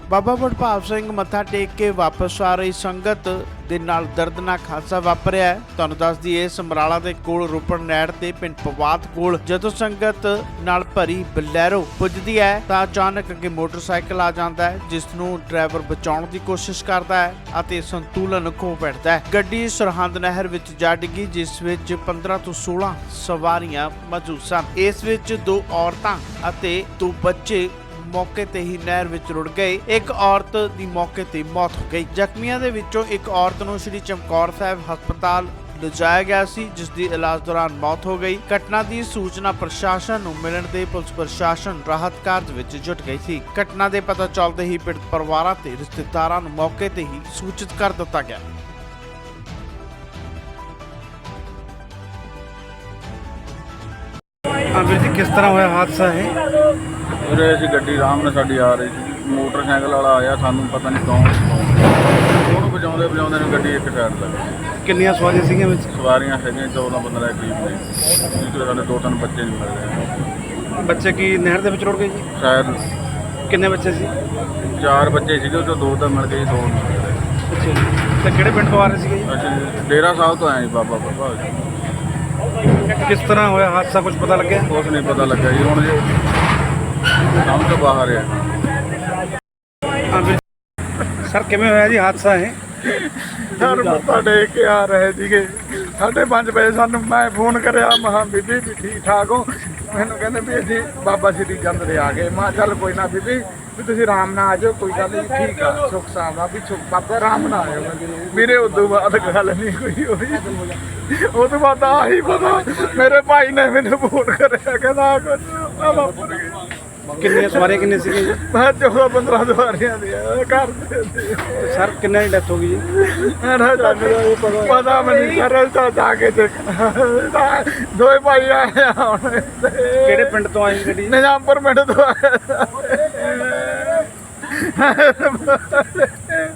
ਬਾਬਾ ਵਡਭਾਗ ਸਿੰਘ ਮੱਥਾ ਟੇਕ ਕੇ ਵਾਪਸ ਆ ਰਹੀ ਸੰਗਤ ਦੇ ਨਾਲ ਦਰਦਨਾਕ ਹਾਦਸਾ ਵਾਪਰਿਆ ਹੈ। ਤੁਹਾਨੂੰ ਦੱਸ ਦਈਏ ਸਮਰਾਲਾ ਦੇ ਕੋਲ ਰੋਪੜ ਨਹਿਰ ਤੇ ਪਿੰਡ ਪਵਾਤ ਕੋਲ ਜਦੋਂ ਸੰਗਤ ਨਾਲ ਭਰੀ ਬਲੈਰੋ ਪੁੱਜਦੀ ਹੈ ਤਾਂ ਅਚਾਨਕ ਅੱਗੇ ਮੋਟਰਸਾਈਕਲ ਆ ਜਾਂਦਾ ਹੈ, ਜਿਸ ਨੂੰ ਡਰਾਈਵਰ ਬਚਾਉਣ ਦੀ ਕੋਸ਼ਿਸ਼ ਕਰਦਾ ਹੈ ਅਤੇ ਸੰਤੁਲਨ ਖੋ ਬੈਠਦਾ ਹੈ। ਗੱਡੀ ਸਰਹੰਦ ਨਹਿਰ ਵਿੱਚ ਜਾ ਡਿੱਗੀ, ਜਿਸ ਵਿੱਚ 15 ਤੋਂ 16 ਸਵਾਰੀਆਂ ਮੌਜੂਦ ਸਨ। ਇਸ ਵਿੱਚ 2 ਔਰਤਾਂ ਅਤੇ 2 ਬੱਚੇ मौके ते ही नहर विच रुड़ गए। एक औरत दी मौके ते मौत हो गई। जख्मियों दे विचों एक औरत नूं श्री चमकौर साहिब हस्पताल लिजाया गया सी, जिस दी इलाज दौरान मौत हो गई। घटना की सूचना प्रशासन नूं मिलण ते पुलिस प्रशासन राहत कार्य विच जुट गई सी। घटना दे पता चलते ही पीड़ित परिवारां ते रिश्तेदारां नूं मौके ते ही सूचित कर दिता गया। ਵੀਰ ਜੀ ਕਿਸ ਤਰ੍ਹਾਂ ਹੋਇਆ ਹਾਦਸਾ ਹੈ? ਵੀਰੇ ਅਸੀਂ ਗੱਡੀ ਆਰਾਮ ਨਾਲ ਸਾਡੀ ਆ ਰਹੀ ਸੀ, ਮੋਟਰਸਾਈਕਲ ਵਾਲਾ ਆਇਆ, ਸਾਨੂੰ ਪਤਾ ਨਹੀਂ ਕੌਣ ਉਹਨੂੰ ਵਜਾਉਂਦੇ ਨੇ ਗੱਡੀ ਇੱਕ ਸਾਈਡ ਲੱਗ ਗਈ। ਕਿੰਨੀਆਂ ਸਵਾਰੀਆਂ ਸੀਗੀਆਂ ਵਿੱਚ? ਸਵਾਰੀਆਂ ਹੈਗੀਆਂ 14-15 ਦੇ ਕਰੀਬ ਨੇ, ਜਿਹਦੇ ਸਾਡੇ 2-3 ਬੱਚੇ ਨਹੀਂ ਮਿਲ ਰਹੇ। ਬੱਚੇ ਕੀ ਨਹਿਰ ਦੇ ਵਿੱਚ ਰੁੜ ਗਏ ਜੀ? ਸ਼ਾਇਦ ਕਿੰਨੇ ਬੱਚੇ ਸੀ? 4 ਬੱਚੇ ਸੀਗੇ, ਉਹ 'ਚੋਂ 2 ਤਾਂ ਮਿਲ ਗਏ, 2 ਨਹੀਂ ਮਿਲ ਰਹੇ। ਅੱਛਾ ਜੀ। ਤੇ ਕਿਹੜੇ ਪਿੰਡ ਤੋਂ ਆ ਰਹੇ ਸੀਗੇ ਜੀ? ਅਸੀਂ ਡੇਰਾ ਸਾਹਿਬ ਤੋਂ ਆਏ ਜੀ, ਬਾਬਾ ਵਡਭਾਗ। ਕਿਸ ਤਰ੍ਹਾਂ ਹੋਇਆ ਹਾਦਸਾ, ਕੁਝ ਪਤਾ ਲੱਗਿਆ? ਕੁਛ ਨਹੀਂ ਪਤਾ ਲੱਗਾ ਜੀ, ਹੁਣ ਜੀ ਸਮਝ ਤੋਂ ਬਾਹਰ ਆ। ਸਰ ਕਿਵੇਂ ਹੋਇਆ ਜੀ ਹਾਦਸਾ ਹੈ? ਸਰ ਮੱਥਾ ਟੇਕ ਕੇ ਆ ਰਹੇ ਸੀਗੇ, 5:30 ਵਜੇ ਸਾਨੂੰ ਮੈਂ ਫੋਨ ਕਰਿਆ, ਮਹਾ ਬੀਬੀ ਵੀ ਠੀਕ ਠਾਕ ਹੋ? ਮੈਨੂੰ ਕਹਿੰਦੇ ਵੀ ਅਸੀਂ ਬਾਬਾ ਸ਼੍ਰੀ ਚੰਦ ਦੇ ਆ ਗਏ। ਮੈਂ ਚੱਲ ਕੋਈ ਨਾ ਬੀਬੀ ਵੀ ਤੁਸੀਂ ਆਰਾਮ ਨਾਲ ਆ ਜਾਓ, ਕੋਈ ਗੱਲ ਨਹੀਂ, ਠੀਕ ਆ, ਸੁੱਖ ਸਾਵਾ ਵੀ ਸੁੱਖ ਬਾਬਾ ਆਰਾਮ ਨਾਲ ਆਇਓ। ਮੇਰੇ ਉਦੋਂ ਬਾਅਦ ਗੱਲ ਨਹੀਂ ਕੋਈ ਹੋਈ। ਉਹ ਤੋਂ ਬਾਅਦ ਆਹੀ ਪਤਾ ਮੇਰੇ ਭਾਈ ਨੇ ਮੈਨੂੰ ਫੋਨ ਕਰਿਆ, ਕਹਿੰਦਾ ਵਾਪਰ ਗਈ। ਕਿੰਨੀਆਂ ਸਵਾਰੀਆਂ ਕਿੰਨੇ ਸੀਗੇ ਜੀ? ਮੈਂ 14-15 ਸਵਾਰੀਆਂ ਦੀ ਘਰ ਦੇ। ਸਰ ਕਿੰਨਾਂ ਦੀ ਡੈਥ ਹੋ ਗਈ ਜੀ? ਪਤਾ ਮੈਨੂੰ ਸਰ, ਤਾਂ ਜਾ ਕੇ ਦੇਖਣਾ। 2 ਭਾਈ ਆਏ ਹੁਣ। ਕਿਹੜੇ ਪਿੰਡ ਤੋਂ ਆਈ ਗੱਡੀ? ਨਿਜ਼ਾਮਪੁਰ ਪਿੰਡ ਤੋਂ ਆਏ।